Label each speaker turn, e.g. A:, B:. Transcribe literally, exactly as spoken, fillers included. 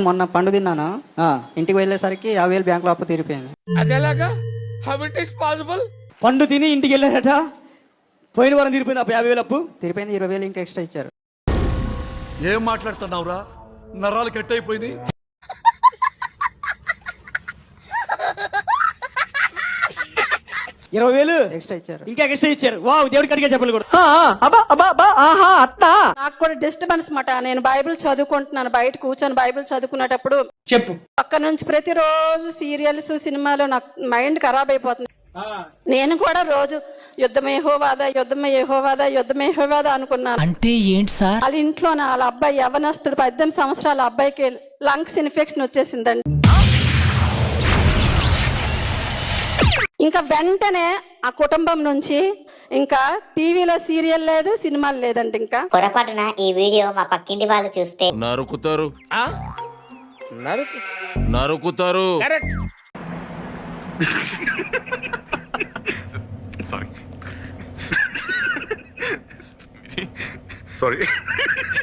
A: మొన్న పండు తిన్నాను, ఇంటికి వెళ్ళేసరికి యాభై వేలు బ్యాంక్ లో అప్పు తీరిపోయింది.
B: అదేలాగా హౌ ఇట్ ఇస్ పాసిబుల్?
C: పండు తిని ఇంటికి వెళ్ళారట, పోయిన వారం తీరిపోయింది అప్పు, యాభై వేలు అప్పు
A: తీరిపోయింది. ఇరవై వేలు ఇంకా ఎక్స్ట్రా ఇచ్చారు.
D: ఏం మాట్లాడుతున్నావురా? నరాలు కట్ అయిపోయింది.
C: ఇరవై వేలు
A: ఎక్స్ట్రా ఇచ్చారు.
C: ఇంకా ఎక్స్ట్రా ఇచ్చారు. వావ్, దేవుడికి అడిగే చెప్పలు కూడా.
E: నాకు కూడా డిస్టర్బెన్స్ మాట. నేను బైబిల్ చదువుకుంటున్నాను, బయట కూర్చొని బైబిల్ చదువుకునేటప్పుడు
B: చెప్పు.
E: పక్క నుంచి ప్రతిరోజు సీరియల్స్ సినిమాలు నాకు మైండ్ ఖరాబ్ అయిపోతుంది. నేను కూడా రోజు యుద్ధమే యెహోవాదా, యుద్ధమే యెహోవాదా, యుద్ధమే యెహోవాదా అనుకున్నాను.
F: అంటే ఏంటి సార్?
E: వాళ్ళ ఇంట్లో వాళ్ళ అబ్బాయి యవనస్తుడు పద్దెనిమిది సంవత్సరాల అబ్బాయికి లంగ్స్ ఇన్ఫెక్షన్ వచ్చేసిందండి. ఇంకా వెంటనే ఆ కుటుంబం నుంచి ఇంకా టీవీలో సీరియల్ లేదు, సినిమాలు లేదండి. ఇంకా
G: పొరపాటున ఈ వీడియో మా పక్కింటి వాళ్ళు చూస్తే
H: నరుకుతారు నరుకుతారు.
D: Sorry sorry